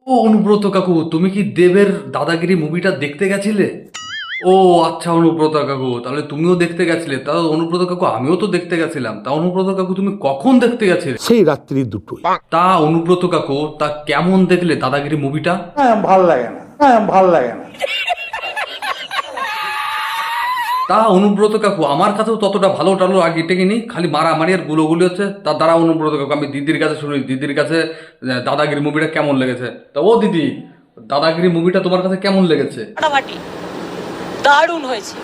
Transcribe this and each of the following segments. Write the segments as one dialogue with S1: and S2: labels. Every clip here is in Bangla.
S1: ও অনুব্রত কাকু, তুমি কি দেবের দাদাগিরি মুভিটা দেখতে গেছিলে? ও আচ্ছা অনুব্রত কাকু, তাহলে তুমিও দেখতে গেছিলে। তা অনুব্রত কাকু, আমিও তো দেখতে গেছিলাম। তা অনুব্রত কাকু, তুমি কখন দেখতে গেছিলে?
S2: সেই রাত্রি দুটোই।
S1: তা অনুব্রত কাকু, তা কেমন দেখলে দাদাগিরি মুভিটা?
S3: ভাল লাগে না, ভাল লাগে না।
S1: তা অনুব্রত কাকু, আমার কাছেও ততটা ভালো টালো আগে টেকেনি, খালি মারামারি আর গুলোগুলি হচ্ছে। তার দ্বারা অনুব্রত কাকু, আমি দিদির কাছে শুনি, দিদির কাছে দাদাগিরি মুভিটা কেমন লেগেছে। তা ও দিদি, দাদাগিরি মুভিটা তোমার কাছে কেমন লেগেছে?
S4: ফাটাফাটি দারুণ হয়েছে।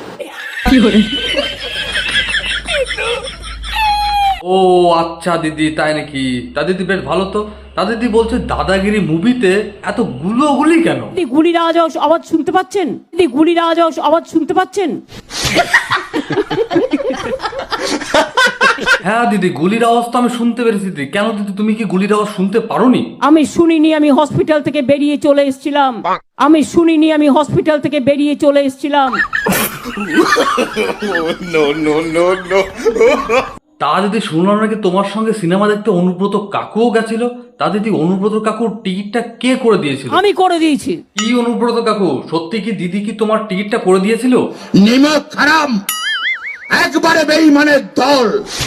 S1: ও আচ্ছা দিদি, তাই নাকি? তা দিদি বেশ ভালো তো। তা দিদি বলছে দাদাগিরি মুভিতে এত গুলোগুলি কেন?
S5: গুলির আওয়াজ শুনতে পাচ্ছেন? গুলির আওয়াজ শুনতে পাচ্ছেন?
S1: হ্যাঁ দিদি, গুলির আওয়াজ তো আমি শুনতে পেরেছি দিদি। কেন দিদি, তুমি কি গুলির আওয়াজ শুনতে পারোনি?
S5: আমি শুনিনি, আমি হসপিটাল থেকে বেরিয়ে চলে এসেছিলাম। আমি শুনিনি, আমি হসপিটাল থেকে বেরিয়ে চলে এসেছিলাম।
S1: তা দিদি, শুনলাম নাকি তোমার সঙ্গে সিনেমা দেখতে অনুব্রত কাকুও গেছিল। তা দিদি, অনুব্রত কাকুর টিকিটটা কে করে দিয়েছিল?
S5: আমি করে দিয়েছি।
S1: কি অনুব্রত কাকু, সত্যি কি দিদি কি তোমার টিকিটটা করে দিয়েছিল?
S2: নিমক হারাম, একবারে বেঈমানের দল।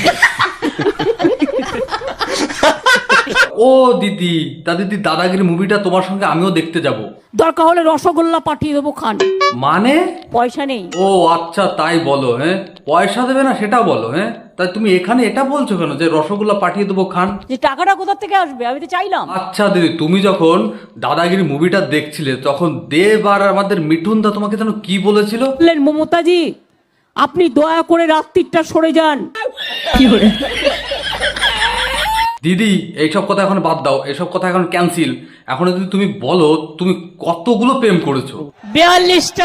S1: ও দিদি, তা দিদি দাদাগিরি মুভিটা তোমার সঙ্গে আমিও দেখতে যাব।
S5: দরকার হলে রসগোল্লা পাঠিয়ে দেবো, খান।
S1: মানে?
S5: পয়সা নেই।
S1: ও আচ্ছা, তাই বলো? হ্যাঁ, পয়সা দেবে না সেটা বলো। হ্যাঁ, তাই তুমি এখানে এটা বলছো কেন যে রসগোল্লা পাঠিয়ে দেবো, খান?
S5: যে টাকাটা কোথা থেকে আসবে, আমি তো চাইলাম।
S1: আচ্ছা দিদি, তুমি যখন দাদাগিরি মুভিটা দেখছিলে তখন দেব আর আমাদের মিঠুন দা তোমাকে যেন কি বলেছিল?
S5: বললেন, মমতাজি আপনি দয়া করে রাত্রিটা সরে যান।
S1: দিদি এইসব কথা এখন বাদ দাও, এসব কথা এখন ক্যান্সেল। এখন যদি তুমি বলো তুমি কতগুলো প্রেম করেছো?
S5: 42টা।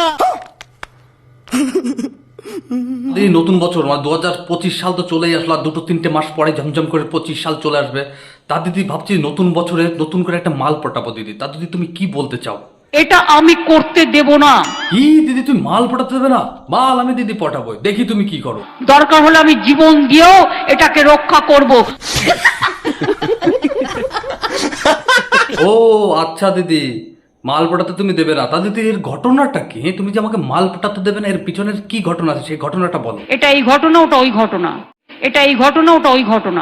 S1: এই নতুন বছর মানে 2025 সাল তো চলেই আসলো, আর 2-3 মাস পরে ঝমঝম করে 25 সাল চলে আসবে। তা দিদি ভাবছি নতুন বছরে নতুন করে একটা মাল পটাবো দিদি। তা দিদি তুমি কি বলতে চাও?
S5: এটা আমি করতে দেব না।
S1: কি দিদি, তুমি মাল পটাতে দেবে না? মাল আমি দিদি পটাবো, দেখি তুমি কি করো।
S5: দরকার হলে আমি জীবন দিয়েও এটাকে রক্ষা করব।
S1: ও আচ্ছা দিদি, মাল পটাতে তুমি দেবে না। তা দিদি এর ঘটনাটা কি? তুমি যে আমাকে মাল পটাতে দেবে না, এর পিছনের কি ঘটনা আছে সেই ঘটনাটা বলো।
S5: এটা এই ঘটনা, ওটা ওই ঘটনা। এটা এই ঘটনা, ওটা ওই ঘটনা।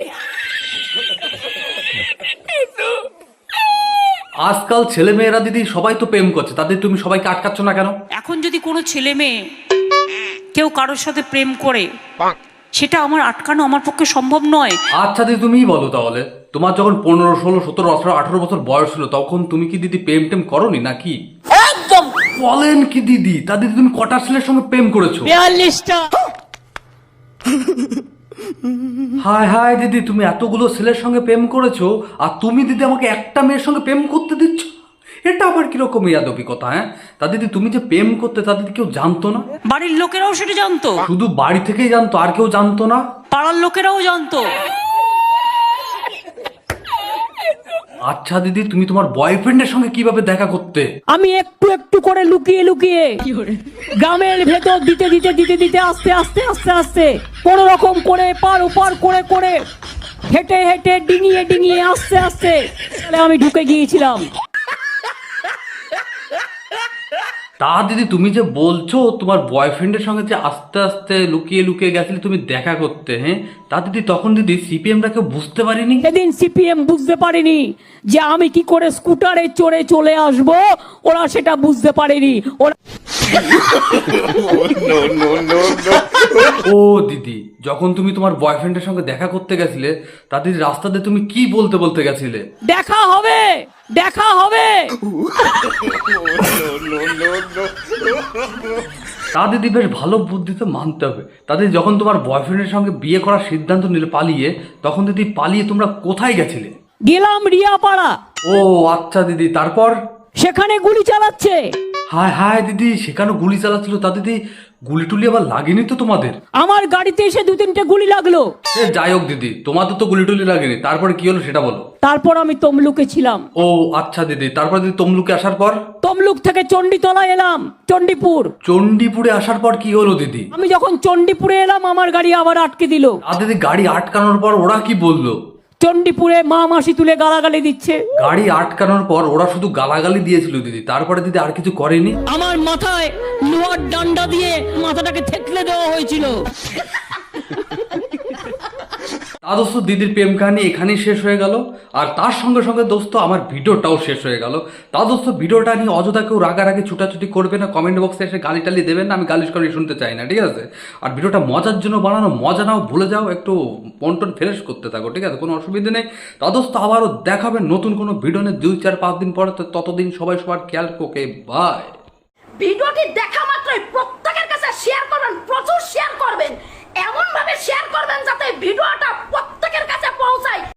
S1: আজকাল ছেলে মেয়েরা দিদি সবাই তো প্রেম করছে, তাদের তুমি সবাইকে আটকাচ্ছ না কেন?
S4: এখন যদি কোনো ছেলে মেয়ে কেউ কারোর সাথে প্রেম করে, সেটা আমার আটকানো আমার পক্ষে সম্ভব নয়।
S1: আচ্ছা দিদি তুমিই বলো তাহলে, তোমার যখন 15, 16, 17, 18, 18 বছর বয়স ছিল তখন তুমি কি দিদি প্রেম টেম করনি নাকি?
S4: একদম।
S1: বলেন কি দিদি? তা দিদি তুমি কটা ছেলের সঙ্গে প্রেম করেছো?
S5: 42টা।
S1: হায় হায় দিদি, তুমি এতগুলো ছেলের সঙ্গে প্রেম করেছো আর তুমি দিদি আমাকে একটা মেয়ের সঙ্গে প্রেম করতে দিচ্ছ? এটা আবার কিরকম ইয়াদবি কথা? হ্যাঁ, তা দিদি তুমি যে প্রেম করতে তা দিদি কেউ জানতো না?
S4: বাড়ির লোকেরাও সেটা জানতো,
S1: শুধু বাড়ি থেকেই জানতো, আর কেউ জানতো না?
S4: পাড়ার লোকেরাও জানতো।
S1: আচ্ছা দিদি, তুমি তোমার বয়ফ্রেন্ডের সঙ্গে কিভাবে দেখা করতে?
S5: আমি একটু একটু করে লুকিয়ে লুকিয়ে গ্রামের ভেতর দিতে দিতে দিতে দিতে আস্তে আস্তে আস্তে আস্তে কোন রকম করে পার ওপার করে করে হেঁটে হেঁটে ডিঙিয়ে ডিঙিয়ে আস্তে আস্তে আমি ঢুকে গিয়েছিলাম।
S1: তা দিদি তুমি যে বলছো তোমার বয়ফ্রেন্ডের সঙ্গে যে আস্তে আস্তে লুকিয়ে লুকিয়ে গেছিলে তুমি দেখা করতে, হ্যাঁ, তা দিদি তখন দিদি সিপিএমরা কেউ বুঝতে পারিনি?
S5: সেদিন সিপিএম বুঝতে পারেনি যে আমি কি করে স্কুটারে চড়ে চলে আসব, ওরা সেটা বুঝতে পারেনি। ওরা
S1: ও দিদি, যখন তুমি তোমার বয়ফ্রেন্ডের সঙ্গে দেখা করতে গেছিলে তা দিদি রাস্তাতে তুমি কি বলতে বলতে গেছিলে?
S5: দেখা হবে, দেখা হবে।
S1: তা দিদি বেশ ভালো বুদ্ধিতে মানতে হবে। তাদের যখন তোমার বয়ফ্রেন্ডের সঙ্গে বিয়ে করার সিদ্ধান্ত নিলে পালিয়ে, তখন দিদি পালিয়ে তোমরা কোথায় গেছিলে?
S5: গেলাম রিয়াপাড়া।
S1: ও আচ্ছা দিদি, তারপর?
S5: সেখানে গুলি চালাচ্ছে।
S1: হায় হায় দিদি, সেখানে গুলি চালাচ্ছিল। তা দিদি গুলি টুলি আবার লাগেনি তো তোমাদের?
S5: আমার গাড়িতে এসে 2-3টে গুলি লাগলো।
S1: যাই হোক দিদি, তোমাদের তো গুলি টুলি লাগেনি, তারপরে কি হলো সেটা বলো।
S5: তারপর আমি তমলুকে ছিলাম।
S1: ও আচ্ছা দিদি, তারপর দিদি তমলুকে আসার পর?
S5: তমলুক থেকে চণ্ডীতলা এলাম, চণ্ডীপুর।
S1: চণ্ডীপুরে আসার পর কি হলো দিদি?
S5: আমি যখন চণ্ডীপুরে এলাম আমার গাড়ি আবার আটকে দিল।
S1: আর দিদি গাড়ি আটকানোর পর ওরা কি বললো?
S5: চণ্ডীপুরে মা মাসি তুলে গালাগালি দিচ্ছে।
S1: গাড়ি আটকানোর পর ওরা শুধু গালাগালি দিয়েছিল দিদি, তারপরে দিদি আর কিছু করেনি।
S5: আমার মাথায় লোহার ডান্ডা দিয়ে মাথাটাকে থেতলে দেওয়া হয়েছিল।
S1: তা দোস্ত দিদির প্রেম কাহিনী এখানেই শেষ হয়ে গেল, আর তার সঙ্গে সঙ্গে দোস্ত আমার ভিডিওটাও শেষ হয়ে গেল। তা দোস্ত ভিডিওটা নিয়ে অযথা কেউ রাগারাগি ছুটাছুটি করবে না, কমেন্ট বক্সে এসে গালি টালি দেবেন না, আমি গালিশ করে শুনতে চাই না, ঠিক আছে? আর ভিডিওটা মজার জন্য বানানো, মজা নাও ভুলে যাও, একটু মন টন ফ্রেশ করতে থাকো, ঠিক আছে? কোনো অসুবিধা নেই। তা দোস্ত আবারও দেখাবেন নতুন কোনো ভিডিও নিয়ে 2-4-5 দিন পরে। ততদিন সবাই সবার খেয়াল, ওকে বাই।
S6: ভিডিওটি দেখা মাত্রই প্রত্যেকের কাছে শেয়ার করবেন, প্রচুর শেয়ার করবেন, এমন ভাবে শেয়ার করবেন যাতে ভিডিওটা প্রত্যেকের কাছে পৌঁছায়।